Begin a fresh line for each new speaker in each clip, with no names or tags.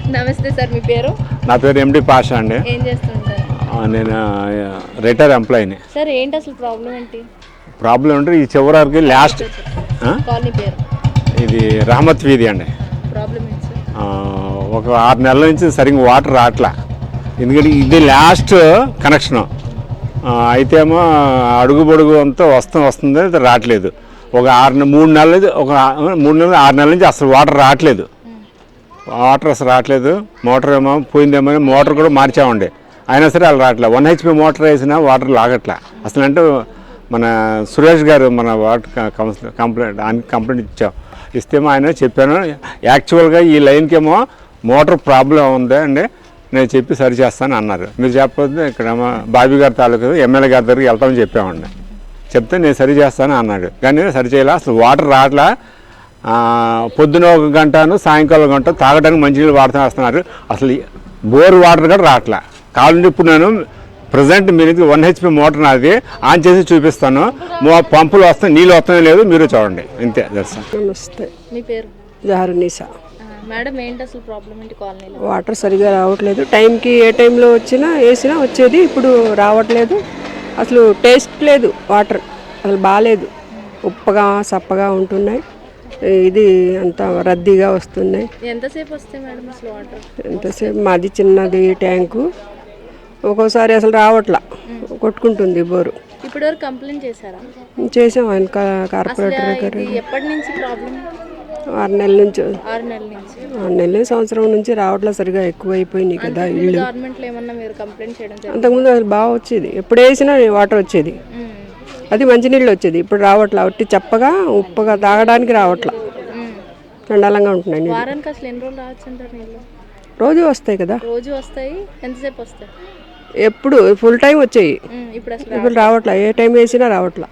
నమస్తే సార్, మీ పేరు?
నా పేరు ఎండి పాషా అండి.
ఏం చేస్తుంటారు?
నేను రిటైర్ ఎంప్లాయీని.
సార్ ఏంటి అసలు ప్రాబ్లం ఏంటి?
ప్రాబ్లం అంటే ఈ చివరికి లాస్ట్
కాలనీ పేరు
ఇది రహమత్ వీధి అండి.
ప్రాబ్లం ఏంటి సార్?
ఒక 6 నెలల నుంచి సరిగ్గా వాటర్ రావట్లా. ఎందుకంటే ఇది లాస్ట్ కనెక్షను. అయితే ఏమో అడుగు పొడుగు అంతా వస్తుంది రావట్లేదు. ఒక 3 నెలలు 6 నెలల నుంచి అసలు వాటర్ రావట్లేదు. వాటర్ అసలు రావట్లేదు. మోటార్ ఏమో పోయిందేమో, మోటార్ కూడా మార్చామండి, అయినా సరే అలా రావట్లేదు. 1 HP మోటార్ వేసినా వాటర్ లాగట్లా అసలు. అంటే మన సురేష్ గారు మన వాటర్ కౌన్సిలర్ కంప్లైంట్ ఇస్తేమో ఆయన చెప్పాను, యాక్చువల్గా ఈ లైన్కేమో మోటార్ ప్రాబ్లం ఉంది అండి, నేను చెప్పి సరి చేస్తాను అన్నారు. మీరు చెప్పకపోతే ఇక్కడ బాబీ గారి తాలూకు ఎమ్మెల్యే గారి దగ్గరికి వెళ్తామని చెప్పామండి. చెప్తే నేను సరి చేస్తాను అన్నాడు, కానీ సరి చేయాల. అసలు వాటర్ రావట్లా. పొద్దున 1 గంటను సాయంకాలం 1 గంట తాగడానికి మంచినీళ్ళు వస్తున్నారు. అసలు బోర్ వాటర్ కూడా రావట్లా. కావాలంటే ఇప్పుడు నేను ప్రజెంట్ మీరు 1 HP మోటార్ నాది ఆన్ చేసి చూపిస్తాను. పంపులు వస్తాయి, నీళ్ళు వస్తాయో లేదు మీరు చూడండి, ఇంతే.
నమస్తే,
మీ పేరు?
జహరునిసా.
మేడం ఏంటి అసలు ప్రాబ్లం ఏంటి కాలనీలో?
వాటర్ సరిగా రావట్లేదు. టైంకి ఏ టైంలో వేసినా వచ్చేది, ఇప్పుడు రావట్లేదు. అసలు టేస్ట్ లేదు, వాటర్ అసలు బాగాలేదు. ఉప్పగా సప్పగా ఉంటున్నాయి. ఇది అంతా రద్దీగా వస్తున్నాయి.
ఎంతసేపు వస్తాయి మేడం అసలు వాటర్?
ఎంతసేపు? మాది చిన్నది ట్యాంకు, ఒక్కోసారి అసలు రావట్లా, కొట్టుకుంటుంది బోరు.
ఇప్పటి వరకు కంప్లైంట్ చేశారా?
చేసాం ఆయన కార్పొరేటర్ దగ్గర.
ఎప్పటి నుంచి ప్రాబ్లం?
6 నెలల నుంచి.
6 నెలల నుంచి.
6 నెలలు, సంవత్సరం నుంచి రావట్లా. సరిగా ఎక్కువ అయిపోయినాయి కదా ఇల్లు.
గవర్నమెంట్లో ఏమన్నా మీరు కంప్లైంట్ చేయడం?
అంతకుముందు అసలు బాగా వచ్చేది, ఎప్పుడు వేసినా వాటర్ వచ్చేది, అది మంచినీళ్ళు వచ్చేది. ఇప్పుడు రావట్లా, ఒట్టి చప్పగా ఉప్పగా తాగడానికి రావట్లా, చండాలంగా ఉంటున్నాయి.
వారానికి అసలు ఎన్ని రోజులు రావచ్చు అంటారు నీళ్ళు?
రోజు వస్తాయి కదా.
రోజు వస్తాయి. ఎంతసేపు వస్తాయి?
ఎప్పుడు ఫుల్ టైం వచ్చాయి, ఇప్పుడు రావట్లా. ఏ టైం వేసినా రావట్లా,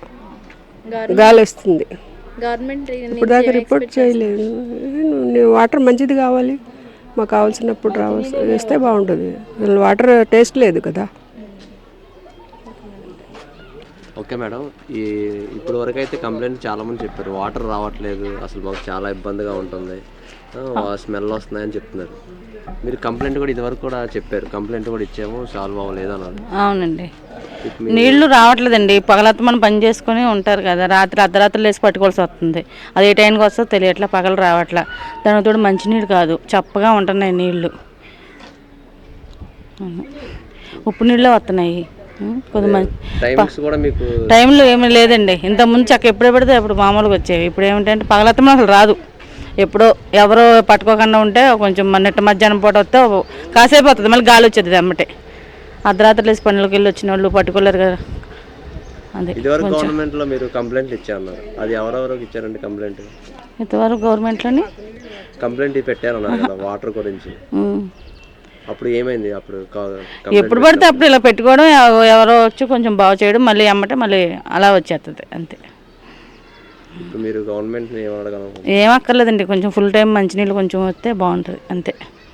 గాలి వస్తుంది.
గవర్నమెంట్
ఇప్పుడు దాకా రిపోర్ట్ చేయలేదు. వాటర్ మంచిది కావాలి, మాకు కావాల్సినప్పుడు వేస్తే బాగుంటుంది. అసలు వాటర్ టేస్ట్ లేదు కదా.
ఓకే మేడం, ఇప్పుడు వరకు అయితే కంప్లైంట్ చాలామంది చెప్పారు, వాటర్ రావట్లేదు, అసలు మాకు చాలా ఇబ్బందిగా ఉంటుంది, స్మెల్ వస్తున్నాయని చెప్తున్నారు. మీరు కంప్లైంట్ కూడా ఇదివరకు కూడా చెప్పారు, కంప్లైంట్ కూడా ఇచ్చాము, సాల్వ్ అవ్వలేదు అన్నారు.
అవునండి, నీళ్లు రావట్లేదండి. పగలతో మనం పని చేసుకుని ఉంటారు కదా, రాత్రి అర్ధరాత్రులు వేసి పట్టుకోవాల్సి వస్తుంది. అది ఏ టైంకి వస్తుందో తెలియట్లా, పగలు రావట్లా. దానితో మంచినీళ్ళు కాదు, చప్పగా ఉంటున్నాయి నీళ్లు, ఉప్పు నీళ్ళే వస్తున్నాయి. టైంలో ఏమీ లేదండి. ఇంతకుముందు చక్క ఎప్పుడే పడితే అప్పుడు మామూలుగా వచ్చేవి. ఇప్పుడు ఏమిటంటే పగలత్తం అసలు రాదు. ఎప్పుడో ఎవరో పట్టుకోకుండా ఉంటే కొంచెం నిట్ట మధ్యాహ్నం పూట వస్తే కాసేపు వస్తుంది, మళ్ళీ గాలి వచ్చేది అమ్మటే. అర్ధరాత్రులు వేసి పనులకి వెళ్ళి వచ్చిన వాళ్ళు పట్టుకోలేరు కదా. అదే
గవర్నమెంట్లో మీరు కంప్లైంట్ ఇచ్చారన్నారు, అది ఎవరెవరికి ఇచ్చారండి కంప్లైంట్?
ఇంతవరకు గవర్నమెంట్లోని
కంప్లైంట్ పెట్టారన్నారు కదా వాటర్ గురించి. అప్పుడు ఏమైంది? అప్పుడు
ఎప్పుడు పడితే అప్పుడు ఇలా పెట్టుకోవడం, ఎవరో వచ్చి కొంచెం బాగు చేయడం, మళ్ళీ అమ్మటే మళ్ళీ అలా వచ్చేస్తుంది అంతే.
మీరు గవర్నమెంట్
ఏమక్కర్లేదండి, కొంచెం ఫుల్ టైం మంచినీళ్ళు కొంచెం వస్తే బాగుంటుంది అంతే.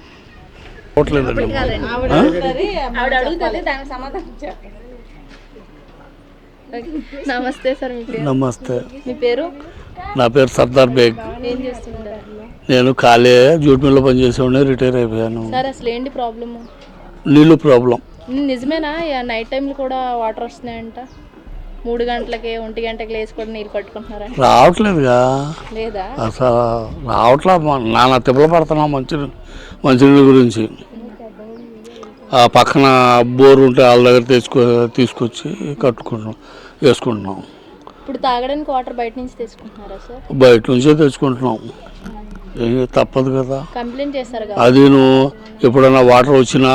నమస్తే సార్, మీ పేరు?
నమస్తే,
మీ పేరు?
నా పేరు సర్దార్ బేగ్.
ఏం చేస్తుంటారు?
నేను ఖాళీ జూట్ మిల్లో పనిచేసేవాడిని, రిటైర్ అయిపోయాను.
సార్ అసలు ఏంటి ప్రాబ్లమ్?
నీళ్ళు ప్రాబ్లం.
నిజమేనా నైట్ టైంలో కూడా వాటర్ వస్తున్నాయంట? 3 గంటలకి 1 గంటకి లేచి కూడా నీళ్ళు పట్టుకుంటున్నారా?
రావట్లేదుగా,
లేదా
అసలు రావట్లా. నాన్న తిప్పలు పడుతున్నాం మంచినీళ్ళ గురించి. ఆ పక్కన బోర్ ఉంటే వాళ్ళ దగ్గర తీసుకొచ్చి వేసుకుంటున్నాం.
ఇప్పుడు తాగడానికి వాటర్ బయట నుంచి తెచ్చుకుంటున్నారా సార్?
బయట నుంచే తెచ్చుకుంటున్నాం, తప్పదు కదా.
కంప్లైంట్ చేశారు కదా?
అది నువ్వు ఎప్పుడైనా వాటర్ వచ్చినా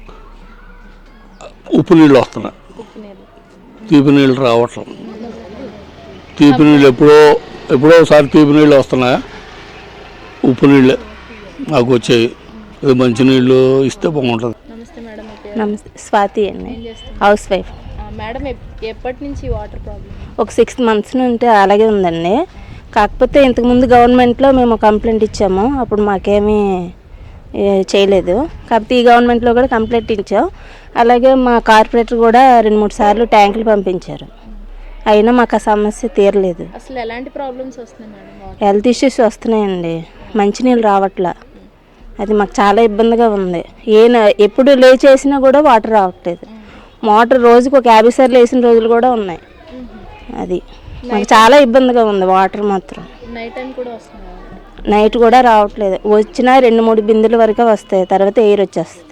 ఉప్పు నీళ్ళు వస్తున్నాయి, తీపి నీళ్ళు రావట్లేదు. తీపి నీళ్ళు ఎప్పుడో ఒకసారి తీపి నీళ్ళు వస్తున్నాయా, ఉప్పు నీళ్ళే మాకు వచ్చాయి. ఇది మంచినీళ్ళు ఇస్తే బాగుంటుంది.
నమస్తే, స్వాతి అండి, హౌస్ వైఫ్.
మేడం ఎప్పటి నుంచి వాటర్ ప్రాబ్లం?
ఒక 6 months నుండి అలాగే ఉందండి. కాకపోతే ఇంతకుముందు గవర్నమెంట్లో మేము కంప్లైంట్ ఇచ్చాము, అప్పుడు మాకేమీ చేయలేదు. కాకపోతే ఈ గవర్నమెంట్లో కూడా కంప్లైంట్ ఇచ్చాం. అలాగే మా కార్పొరేటర్ కూడా 2-3 సార్లు ట్యాంకులు పంపించారు, అయినా మాకు ఆ సమస్య తీరలేదు.
అసలు ఎలాంటి ప్రాబ్లమ్స్ వస్తున్నాయి మేడం?
హెల్త్ ఇష్యూస్ వస్తున్నాయండి, మంచినీళ్ళు రావట్లా, అది మాకు చాలా ఇబ్బందిగా ఉంది. ఎప్పుడు లేచేసినా కూడా వాటర్ రావట్లేదు. మోటార్ రోజుకు ఒక 50 సార్లు వేసిన రోజులు కూడా ఉన్నాయి. అది మాకు చాలా ఇబ్బందిగా ఉంది వాటర్ మాత్రం.
నైట్ టైం కూడా వస్తుంది.
నైట్ కూడా రావట్లేదు. వచ్చినా 2-3 బిందెల వరకే వస్తాయి, తర్వాత ఎయిర్ వచ్చేస్తుంది.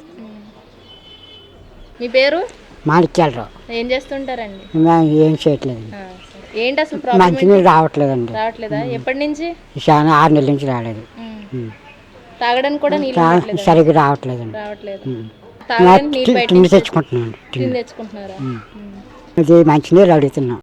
మీ పేరు?
మాణిక్యాలరావు.
ఏం చేస్తుంటారండి?
ఏం చేయట్లేదు.
ఏంటి అసలు ప్రాబ్లం?
మంచినీళ్ళు రావట్లేదండి.
రావట్లేదా? ఎప్పటి నుంచి?
చాలా 6 నెలల నుంచి రాలేదు.
తాగడానికి కూడా నీళ్ళు
సరిగ్గా రావట్లేదండి.
రావట్లేదు. తాగడానికి నీళ్ళు బయట
టిన్ను తెచ్చుకుంటున్నాను.
తెచ్చుకుంటున్నారా?
ఇది మంచినీళ్ళు అడుగుతున్నాం.